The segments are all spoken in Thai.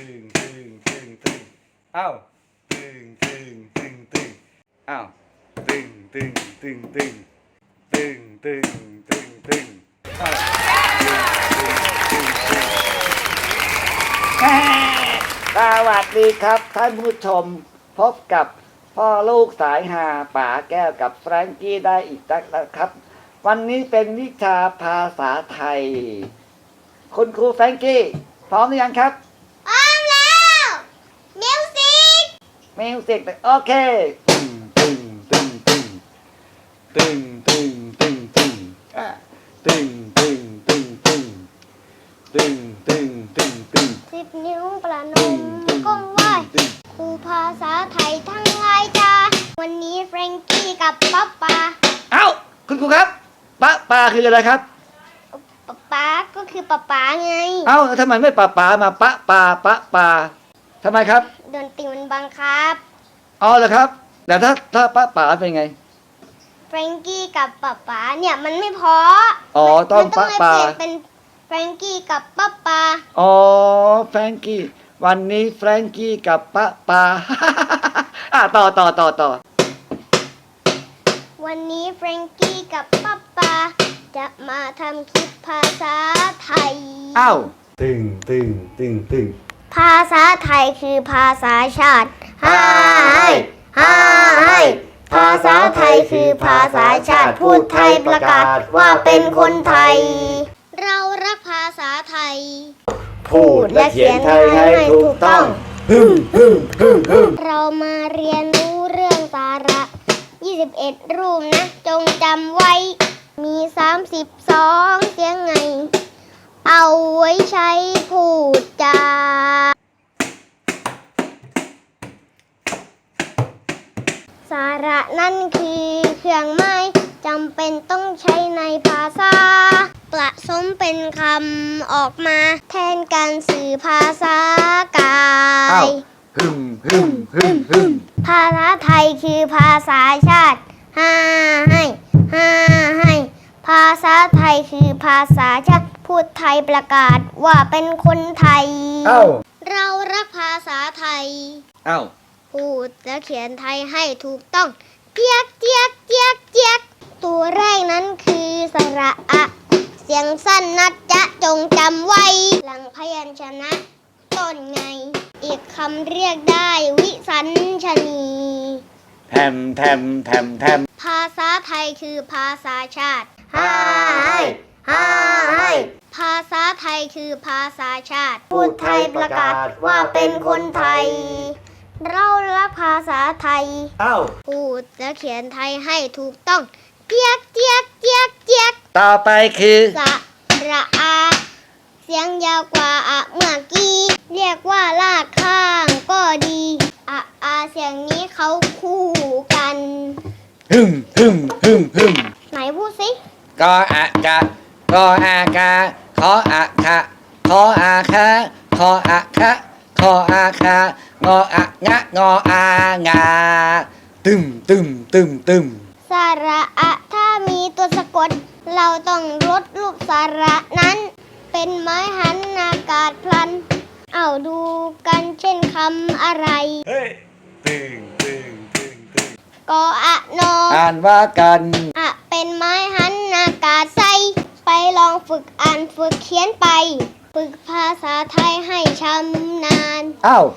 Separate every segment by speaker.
Speaker 1: งตึงตึงตึงอ้าวตึงตึงตึงตึงอ้าวตึงตึงตึงตึงตึงตึงตึงตึงอ้าวตึงตึงตึง
Speaker 2: สวัสดีครับท่านผู้ชมพบกับพ่อลูกสายหาป๋าแก้วกับแฟรงกี้ได้อีกแล้วครับวันนี้เป็นวิชาภาษาไทยคุณครูแฟรงกี้พร้อมหรือยังครับ
Speaker 3: พร้อมแล้วมิวสิก
Speaker 2: โอเคตึงตึงตึงตึงตึงตึงตึงตึงตึงตึงตึงตึงตึงตึงตึง
Speaker 3: 10 นิ้วประนมก้มไหว้ครูภาษาไทยทั้งหลายจ้าวันนี้แฟรงกี้กับป๊าป๊า
Speaker 2: เอ้าคุณครูครับป้าคืออะไรครับ
Speaker 3: ป๊าก็คือป๊าป๊าไง
Speaker 2: เอ้าทำไมไม่ป้ามาป้าทำไมครับ
Speaker 3: ดนตรีมันบังคับ
Speaker 2: อ๋อเหรอครับแต่ถ้าป้าเป็นไง
Speaker 3: แฟรงกี้กับป๊าเนี่ยมันไม่พอ
Speaker 2: อ๋อต้อง
Speaker 3: ป้าเป็นแฟรงกี้กับป๊า
Speaker 2: อ๋อแฟรงกี้วันนี้แฟรงกี้กับป้าต่อ
Speaker 3: วันนี้แฟรงกี้กับป๊าจะมาทำคลิปภาษาไทย
Speaker 2: อ้าว
Speaker 1: ตึง
Speaker 3: ภาษาไทยคือภาษาชาติ
Speaker 2: ไฮ
Speaker 3: ภาษาไทยคือภาษาชาติพูดไทยประกาศว่าเป็นคนไทยเรารักภาษาไทย
Speaker 2: พูดและเขียนไทยให้ถูกต้อง
Speaker 3: เรามาเรียนรู้เรื่องสาระ21รูปนะจงจำไว้มี32เสียงไงเอาไว้ใช้พูดจาสาระนั่นคือเครื่องหมายจำเป็นต้องใช้ในภาษาผสมเป็นคำออกมาแทนการสื่อภาษากายภาษาไทยคือภาษาชาติให้ภาษาไทยคือภาษาชาติพูดไทยประกาศว่าเป็นคนไทยเรารักภาษาไทยพูดและเขียนไทยให้ถูกต้องเจี๊ยกตัวแรกนั้นคือสระอะเสียงสั้นนะจ๊ะจงจำไว้หลังพยัญชนะต้นไงอีกคำเรียกได้วิสัญชนี
Speaker 2: แทม
Speaker 3: ภาษาไทยคือภาษาชาติภาษาไทยคือภาษาชาติ
Speaker 2: พูดไทยประกาศว่าเป็นคนไทย
Speaker 3: เรารักภาษาไทยพูดและเขียนไทยให้ถูกต้องเจี๊ยก
Speaker 2: ต่อไปคือ
Speaker 3: สระอาเสียงยาวกว่าอะเมื่อกี้เรียกว่าลากข้างก็ดีอาเสียงนี้เขาคู่กันไหนพูดสิ
Speaker 2: กออะกะกออากาขออะคะขออาคะขออะคะขออาคางออะงะงออางาตึม
Speaker 3: สระอะถ้ามีตัวสะกดเราต้องลดรูปสระนั้นเป็นไม้หันอากาศพลันเอาดูกันเช่นคำอะไร
Speaker 1: ตึง
Speaker 3: กออะนอ
Speaker 2: อ่านว่ากัน
Speaker 3: อะเป็นไม้หันอากาศใสไปลองฝึกอ่านฝึกเขียนไปฝึกภาษาไทยให้ชำนาญ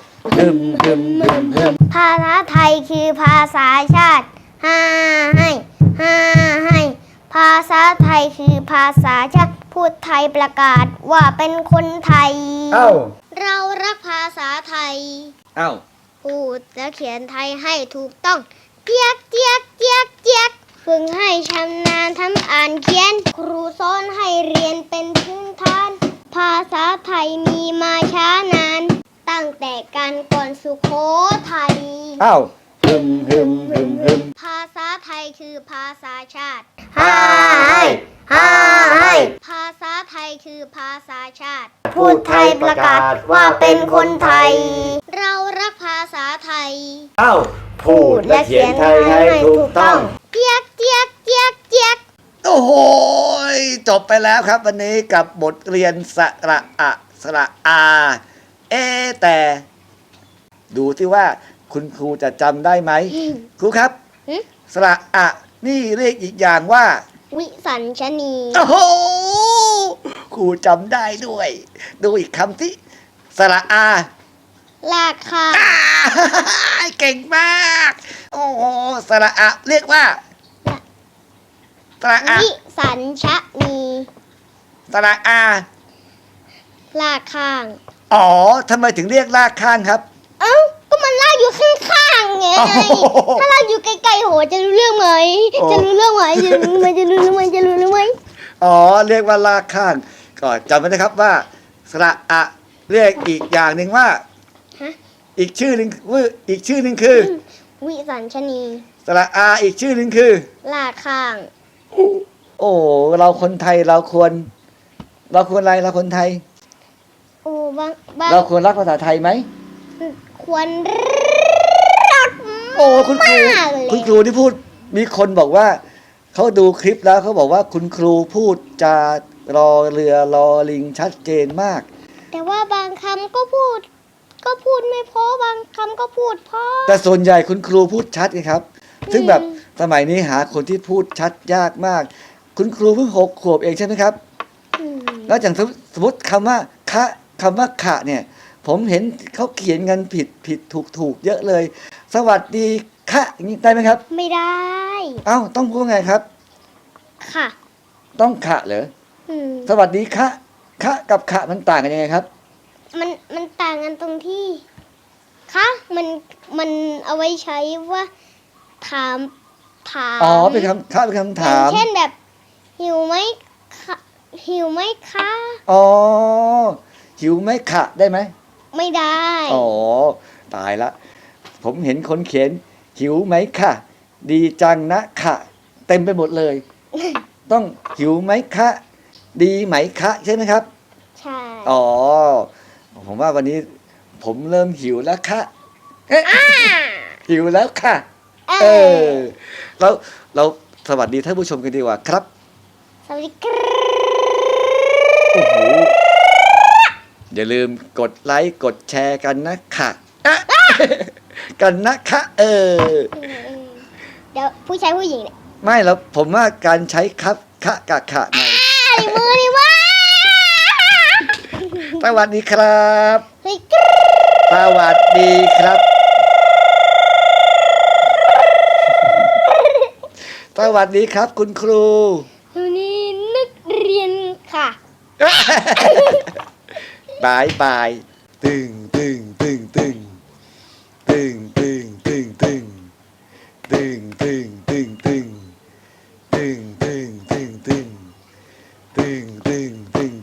Speaker 3: ภาษาไทยคือภาษาชาติให้ภาษาไทยคือภาษาชาติพูดไทยประกาศว่าเป็นคนไทยเรารักภาษาไทยพูดและเขียนไทยให้ถูกต้องเจี๊ยกฝึกให้ชำนาญทำอ่านเขียนครูสอนให้เรียนเป็นพื้นฐานภาษาไทยมีมาช้านานตั้งแต่การก่อนสุโขทัยภาษาไทยคือภาษาชาติภาษาไทยคือภาษาชาติ
Speaker 2: พูดไทยประกาศว่าเป็นคนไทย
Speaker 3: เรารักภาษาไทย
Speaker 2: พูดและเขียนไทยให้ถูกต้อง
Speaker 3: เจี๊ยก
Speaker 2: โอ้โหจบไปแล้วครับวันนี้กับบทเรียนสระอะสระอาแต่ ดูที่ว่าคุณครูจะจำได้ไหม ครูครับ
Speaker 3: หึ
Speaker 2: สระอะนี่เรียกอีกอย่างว่า
Speaker 3: วิสัญชนี
Speaker 2: โอ้โหครูจำได้ด้วย ดูอีกคำที่สระอา
Speaker 3: ลากข้าง
Speaker 2: อ่าเก่งมาก โอ้โหสระอะเรียกว่าสระอะ
Speaker 3: วิสัญชนี
Speaker 2: สระอา
Speaker 3: ลากข้าง
Speaker 2: อ๋อทำไมถึงเรียกลากข้างครับ
Speaker 3: เอ้าก็มันลากอยู่ข้างๆไง
Speaker 2: โอ้โห
Speaker 3: ถ้าลากอยู่ไกลๆโหจะรู้เรื่องไหม
Speaker 2: โอ้
Speaker 3: จะรู้เรื่องไหมจะรู้ไหมจะรู้ไหมจะรู้ไหม
Speaker 2: อ๋อเรียกว่าลากข้างก็จำไว้นะครับว่าสระอะเรียกอีกอย่างหนึ่งว่า
Speaker 3: ฮะ
Speaker 2: อีกชื่อหนึ่งอีกชื่อหนึ่งคือ
Speaker 3: วิสัญชนี
Speaker 2: สระอาอีกชื่อหนึ่งคือ
Speaker 3: ลากข้าง
Speaker 2: โอ้เราคนไทยเราควรอะไรเราคนไทย
Speaker 3: โอ้บาง
Speaker 2: เราควรรักภาษาไทยไหม
Speaker 3: ควรรัก
Speaker 2: โอ้คุณครู
Speaker 3: มากเลย
Speaker 2: คุณครูที่พูดมีคนบอกว่าเขาดูคลิปแล้วเขาบอกว่าคุณครูพูดจารอเรือรอลิงชัดเจนมาก
Speaker 3: แต่ว่าบางคำก็พูดไม่เพอบางคำก็พูดเพอ
Speaker 2: แต่ส่วนใหญ่คุณครูพูดชัดไงครับ ซึ่งแบบ
Speaker 3: อืม
Speaker 2: สมัยนี้หาคนที่พูดชัดยากมาก คุณครูเพิ่ง6 ขวบเองใช่ไหมครับ
Speaker 3: อืม
Speaker 2: แล้วอย่างสมมติคำว่าคำว่าขะเนี่ย ผมเห็นเขาเขียนกันผิดถูกเยอะเลย สวัสดีค่ะอย่างนี้ได้ไหมครับ
Speaker 3: ไม่ได้
Speaker 2: เอ้าต้องพูดว่าไงครับ
Speaker 3: ค่ะ
Speaker 2: ต้องขะเหรอ
Speaker 3: อืม
Speaker 2: สวัสดีค่ะค่ะกับขะมันต่างกันยังไงครับ
Speaker 3: มันต่างกันตรงที่คะมันเอาไว้ใช้ว่าถาม
Speaker 2: อ๋อเป็นคำค่ะเป็นคำถาม
Speaker 3: เช่นแบบหิวไหมคะหิวไหมคะ
Speaker 2: อ๋อหิวไหมขะได้ไหม
Speaker 3: ไม่ได้
Speaker 2: อ๋อตายละ ผมเห็นคนเขียนหิวไหมค่ะ ดีจังนะค่ะ เต็มไปหมดเลย ต้องหิวไหมคะ ดีไหมคะใช่ไหมครับ
Speaker 3: ใช่
Speaker 2: อ๋อ ผมว่าวันนี้ผมเริ่มหิวแล้วค่ะเอ๊ะหิวแล้วค่ะ เออเราสวัสดีท่านผู้ชมกันดีกว่าครับ
Speaker 3: สวัสดีครับ
Speaker 2: โอ้โหอย่าลืมกดไลค์กดแชร์กันนะค่ะอ่ะ กันนะคะ
Speaker 3: เดี๋ยวผู้ชายผู้หญิงเนี่ย
Speaker 2: ไม่แล้วผมว่าการใช้ครับคะกะขะใน
Speaker 3: ในมือนี่ว่า
Speaker 2: สวัสดีครับ
Speaker 3: เฮ้ยกรึ๊ด
Speaker 2: สวัสดีครับ สวัสดีครับ คุณครู
Speaker 3: วันนี้นักเรียนค่ะ
Speaker 2: บายบายตึงตึงตึงตึงตึงตึงตึงตึงตึงตึงตึงตึงตึงตึงตึงตึงตึงตึงตึง